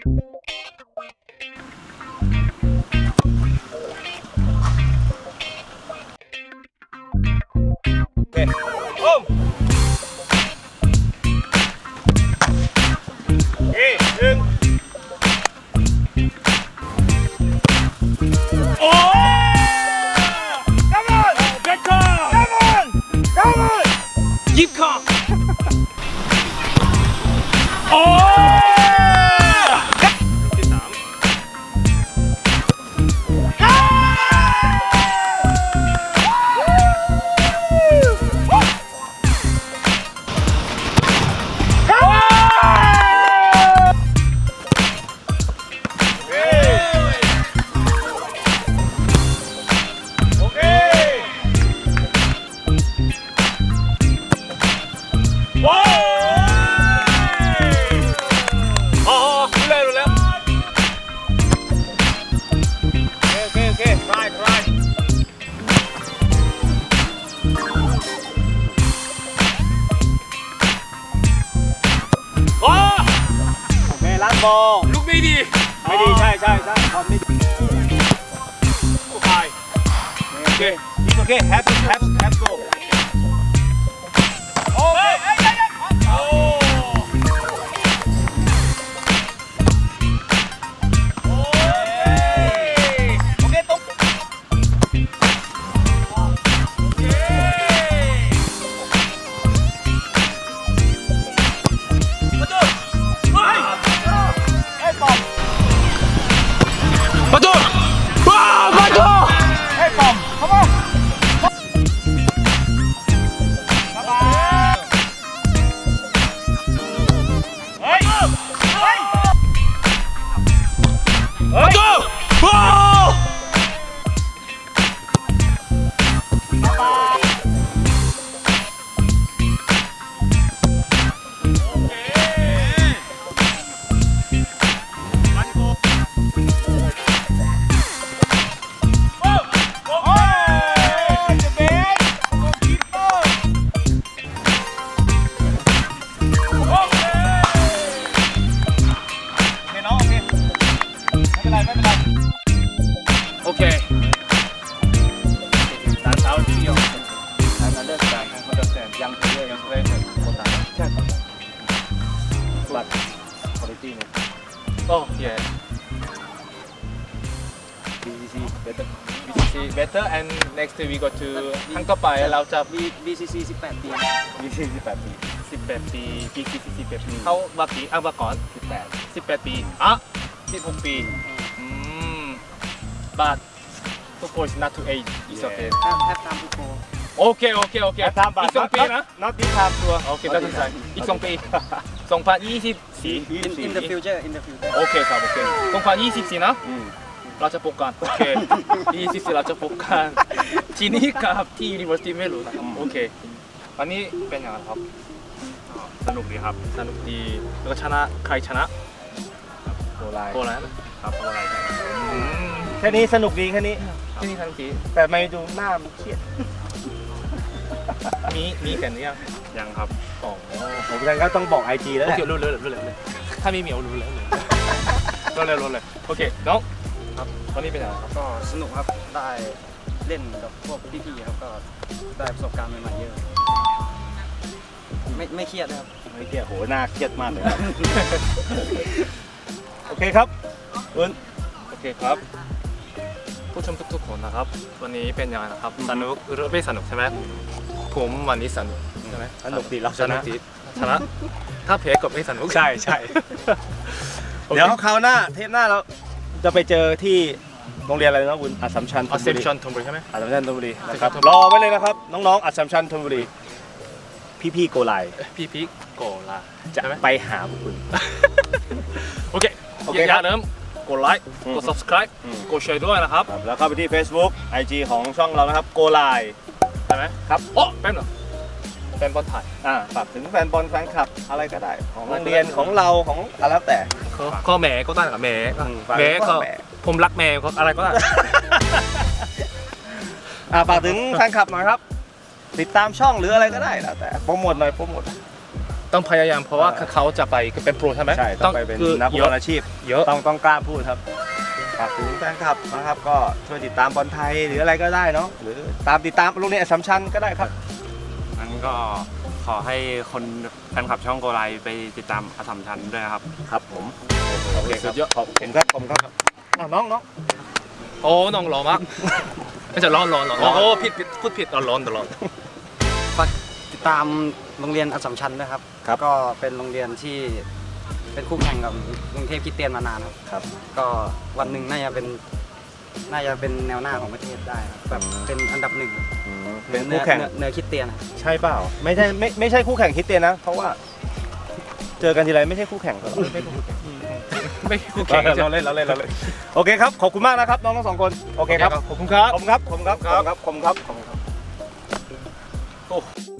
ลูกไม่ดีใช่ความไม่ดีโอเคโอเค have go โอเคbetter and next we go to ครั้งต่อไปเราจะ BCC 18 ปี BCC 18 ปี18 ปี BCC 18 ปีเขาว่าปีว่าก่อน18 ปี16 ปีbut to go is not too age is okay have time to go โอเคอีก2 ปีนะ not this time ตัวโอเคได้ใช่อีก2 ปี2024 in the future โอเคครับโอเค2024นะเราจะพบกันโอเค24เราจะพบกันที่นี่กับที่ University ไม่รู้นะครับโอเควันนี้เป็นยังไงครับสนุกดีครับสนุกดีแล้วก็ชนะใครชนะโกไลนะครับโกไลแค่นี้สนุกดีแค่นี้สนุกดีแต่ไม่ดูหน้ามันเครียดมีแข่งหรือยังครับผมก็ต้องบอก IG แล้วแหละรู้เลยถ้ามีเหมียวรู้แล้วเลยโอเคน้องครับวันนี้เป็นยังไงครับก็สนุกครับได้เล่นกับพวกพี่ๆครับก็ได้ประสบการณ์ใหม่ๆเยอะไม่เครียดนะครับไม่เครียดโหหน้าเครียดมากเลยโอเคครับโอเคครับผู้ชมทุกคนนะครับวันนี้เป็นยังไงนะครับสนุกหรือไม่สนุกใช่ไหมผมวันนี้สนุกใช่ไหมสนุกดีเราชนะถ้าแพ้ก็ไม่สนุกใช่เดี๋ยวคราวหน้าเทปหน้าเราจะไปเจอที่โรงเรียนอะไรนะคุณอัสสัมชัญธนบุรีใช่ไหมอัสสัมชัญธนบุรีนะครับรอไว้เลยนะครับน้องๆอัสสัมชัญธนบุรีพี่โกไลจะไปหาคุณโอเคอย่าลืมกดไลค์กด subscribe กดแชร์ด้วยนะครับแล้วเข้าไปที่ Facebook IG ของช่องเรานะครับโกไลใช่ไหมครับแป๊บหนึ่งแฟนบอลไทยฝากถึงแฟนบอลแฟนคลับอะไรก็ได้ของโรงเรียนของเราของอะไรแล้วแต่ก็แม่ก็ได้กับแม่ก็ผมรักแม่ก็อะไรก็ได้ฝากถึงแฟนคลับหน่อยครับติดตามช่องหรืออะไรก็ได้แล้วแต่โปรโมทหน่อยต้องพยายามเพราะว่าเขาจะไปเป็นโปรใช่ไหมใช่ต้องไปเป็นคือนักฟุตบอลอาชีพเยอะต้องกล้าพูดครับฝากถึงแฟนคลับนะครับก็ช่วยติดตามบอลไทยหรืออะไรก็ได้เนาะหรือติดตามโรงเรียนอัสสัมชัญก็ได้ครับงั้นก็ขอให้คนแฟนคลับช่องโกไลไปติดตามอัสสัมชัญด้วยครับครับผมโอเคครับสุดยอดขอบคุณครับน้องโอ้น้องหล่อมากไม่ใช่ร้อนโอ้ผิดพูดผิดร้อนฝากติดตามโรงเรียนอัสสัมชัญด้วยครับ ก็เป็นโรงเรียนที่เป็นคู่แข่งกับกรุงเทพคริสเตียนมานานครับครับก็วันหนึ่งน่าจะเป็นแนวหน้าของประเทศได้ครับแบบเป็นอันดับหนึ่งเป็นคู่แข่งเนื้อคริสเตียนครับใช่เปล่าไม่ใช่คู่แข่งคริสเตียนนะเพราะว่าเจอกันทีไรไม่ใช่คู่แข่งตลอดไม่คู่แข่งเราเล่นโอเคครับขอบคุณมากนะครับน้องทั้งสองคนโอเคครับขอบคุณครับขอบคุณครับ